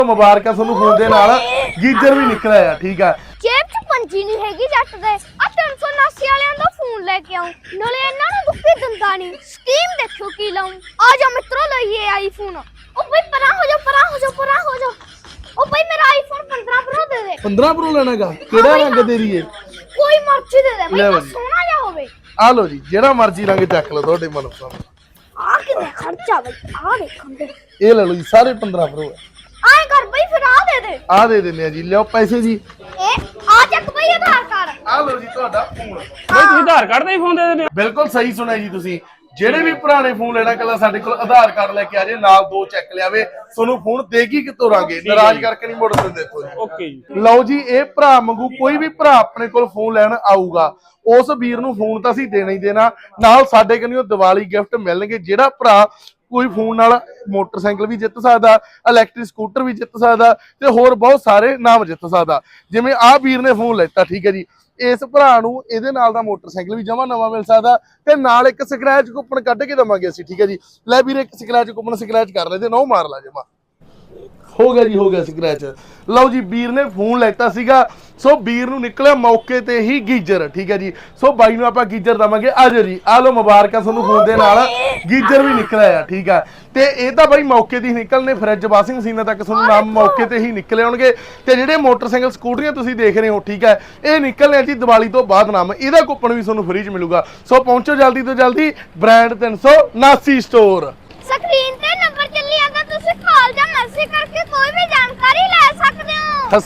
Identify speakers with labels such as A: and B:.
A: ਮੁਬਾਰਕਾਂ ਤੁਹਾਨੂੰ ਫੋਨ ਦੇ ਨਾਲ ਗੀਜ਼ਰ ਵੀ ਨਿਕਲਿਆ ਆ। ਠੀਕ ਆ
B: ਜੇਬ 'ਚ ਪੰਜੀ ਨਹੀਂ ਹੈਗੀ ਜੱਟ ਦੇ। ਆ 379 ਵਾਲਿਆਂ ਦਾ ਫੋਨ ਲੈ ਕੇ ਆਉਂ, ਨਾਲੇ ਇਹਨਾਂ ਨੂੰ ਦੁੱਖੀ ਦਿੰਦਾ ਨਹੀਂ। ਸਕੀਮ ਦੇਖੋ ਕੀ ਲਾਉਂ। ਆ ਜਾ ਮਿੱਤਰੋ ਲਈਏ ਆਈਫੋਨ। ਉਹ ਬਈ ਪਰਾਂ ਹੋ ਜਾ, ਪਰਾਂ ਹੋ ਜਾ, ਪਰਾਂ ਹੋ ਜਾ। ਉਹ ਬਈ ਮੇਰਾ ਆਈਫੋਨ 15 ਪ੍ਰੋ ਦੇ ਦੇ।
A: 15 ਪ੍ਰੋ ਲੈਣਾਗਾ? ਕਿਹੜਾ ਰੰਗ ਦੇ ਰਹੀ ਏ?
B: ਕੋਈ ਮਰਜ਼ੀ ਦੇ ਦੇ ਬਈ, ਬਸ ਸੋਹਣਾ ਜਿਹਾ ਹੋਵੇ।
A: ਆ ਲਓ ਜੀ, ਜਿਹੜਾ ਮਰਜ਼ੀ ਰੰਗ ਚੱਕ ਲਓ ਤੁਹਾਡੇ ਮਨਪਸੰਦ।
B: ਆ ਕਿੰਨੇ ਖਰਚਾ ਬਈ, ਆ ਦੇਖਣ ਦੇ।
A: ਇਹ ਲੈ ਲਓ ਜੀ, ਸਾਰੇ 15 ਪ੍ਰੋ ਆ।
B: ਆਏ ਕਰ ਬਈ, ਫਿਰ ਆ ਦੇ ਦੇ।
A: ਆ ਦੇ ਦਿੰਦੇ ਆ ਜੀ, ਲਿਓ ਪੈਸੇ ਜੀ।
B: ਆ ਚੱਕ ਬਈ ਆਧਾਰ ਕਾਰਡ।
A: ਆ ਲਓ ਜੀ ਤੁਹਾਡਾ ਫੋਨ।
C: ਬਈ ਤੁਸੀਂ ਆਧਾਰ ਕਾਰਡ ਦਾ ਹੀ ਫੋਨ ਦੇ ਦਿੰਦੇ ਹੋ?
A: ਬਿਲਕੁਲ ਸਹੀ ਸੁਣਿਆ ਜੀ ਤੁਸੀਂ। ਜਿਹੜੇ ਵੀ ਪੁਰਾਣੇ ਫੋਨ ਲੈਣਾ ਕੱਲਾ ਸਾਡੇ ਕੋਲ ਆਧਾਰ ਕਾਰਡ ਲੈ ਕੇ ਆ ਜੇ, ਨਾਲ 2 ਚੈੱਕ ਲਿਆਵੇ, ਤੁਹਾਨੂੰ ਫੋਨ ਦੇਗੀ ਕਿਤੋਂ ਰਾਂਗੇ, ਨਾਰਾਜ਼ ਕਰਕੇ ਨਹੀਂ ਮੋੜ ਦਿੰਦੇ ਇੱਥੋਂ ਜੀ।
C: ਓਕੇ ਜੀ।
A: ਲਓ ਜੀ, ਇਹ ਭਰਾ ਵਾਂਗੂ ਕੋਈ ਵੀ ਭਰਾ ਆਪਣੇ ਕੋਲ ਫੋਨ ਲੈਣ ਆਊਗਾ, ਉਸ ਵੀਰ ਨੂੰ ਫੋਨ ਤਾਂ ਅਸੀਂ ਦੇਣਾ ਹੀ ਦੇਣਾ, ਨਾਲ ਸਾਡੇ ਕੋਲੋਂ ਦੀਵਾਲੀ ਗਿਫਟ ਮਿਲਣਗੇ। ਜਿਹੜਾ ਭਰਾ ਕੋਈ ਫੋਨ ਨਾਲ ਮੋਟਰਸਾਈਕਲ ਵੀ ਜਿੱਤ ਸਕਦਾ, ਇਲੈਕਟ੍ਰਿਕ ਸਕੂਟਰ ਵੀ ਜਿੱਤ ਸਕਦਾ, ਤੇ ਹੋਰ ਬਹੁਤ ਸਾਰੇ ਨਾਮ ਜਿੱਤ ਸਕਦਾ। ਜਿਵੇਂ ਆਹ ਵੀਰ ਨੇ ਫੋਨ ਲੈਤਾ, ਠੀਕ ਹੈ ਜੀ, ਇਸ ਭਰਾ ਨੂੰ ਇਹਦੇ ਨਾਲ ਦਾ ਮੋਟਰਸਾਈਕਲ ਵੀ ਜਮਾ ਨਵਾਂ ਮਿਲ ਸਕਦਾ, ਤੇ ਨਾਲ ਇੱਕ ਸਕ੍ਰੈਚ ਕੂਪਨ ਕੱਢ ਕੇ ਦਵਾਂਗੇ ਅਸੀਂ। ਠੀਕ ਹੈ ਜੀ, ਲੈ ਵੀਰੇ ਇੱਕ ਸਕ੍ਰੈਚ ਕੂਪਨ ਸਕ੍ਰੈਚ ਕਰ ਲੈ ਤੇ ਨੋ ਮਾਰ ਲਾ ਜਮਾ। ਹੋ ਗਿਆ ਜੀ, ਹੋ ਗਿਆ ਸਕ੍ਰੈਚ। ਲਓ ਜੀ, ਵੀਰ ਨੇ ਫੋਨ ਲੈਤਾ ਸੀਗਾ, ਸੋ ਵੀਰ ਨੂੰ ਨਿਕਲਿਆ ਮੌਕੇ ਤੇ ਹੀ ਗੀਜ਼ਰ। ਠੀਕ ਹੈ ਜੀ, ਸੋ ਬਾਈ ਨੂੰ ਆਪਾਂ ਗੀਜ਼ਰ ਦਵਾਂਗੇ। ਆਜੋ ਜੀ, ਆ ਲਓ ਮੁਬਾਰਕਾਂ ਤੁਹਾਨੂੰ ਫੋਨ ਦੇ ਨਾਲ ਗੀਜ਼ਰ ਵੀ ਨਿਕਲਿਆ ਆ। ਠੀਕ ਆ, ਤੇ ਇਹ ਤਾਂ ਬਾਈ ਮੌਕੇ ਦੀ ਨਿਕਲਨੇ, ਫਰਿੱਜ ਵਾਸ਼ਿੰਗ ਮਸ਼ੀਨਾਂ ਤੱਕ ਤੁਹਾਨੂੰ ਨਾਮ ਮੌਕੇ ਤੇ ਹੀ ਨਿਕਲੇ ਆਉਣਗੇ। ਤੇ ਜਿਹੜੇ ਮੋਟਰਸਾਈਕਲ ਸਕੂਟਰੀਆਂ ਤੁਸੀਂ ਦੇਖ ਰਹੇ ਹੋ, ਠੀਕ ਹੈ, ਇਹ ਨਿਕਲਨੇ ਆ ਜੀ ਦੀਵਾਲੀ ਤੋਂ ਬਾਅਦ ਨਾਮ। ਇਹਦਾ ਕੂਪਨ ਵੀ ਤੁਹਾਨੂੰ ਫ੍ਰੀ ਚ ਮਿਲੂਗਾ। ਸੋ ਪਹੁੰਚੋ ਜਲਦੀ ਤੋਂ ਜਲਦੀ ਬ੍ਰਾਂਡ 379 ਸਟੋਰ।
B: ਸਕਰੀਨ ਤੇ ਨੰਬਰ ਚੱਲੀ ਜਾਂਦਾ, ਤੁਸੀਂ ਕਾਲ ਜਾਂ ਮੈਸੇਜ ਕਰਕੇ ਕੋਈ ਵੀ ਜਾਣਕਾਰੀ ਲੈ ਸਕਦੇ ਹੋ।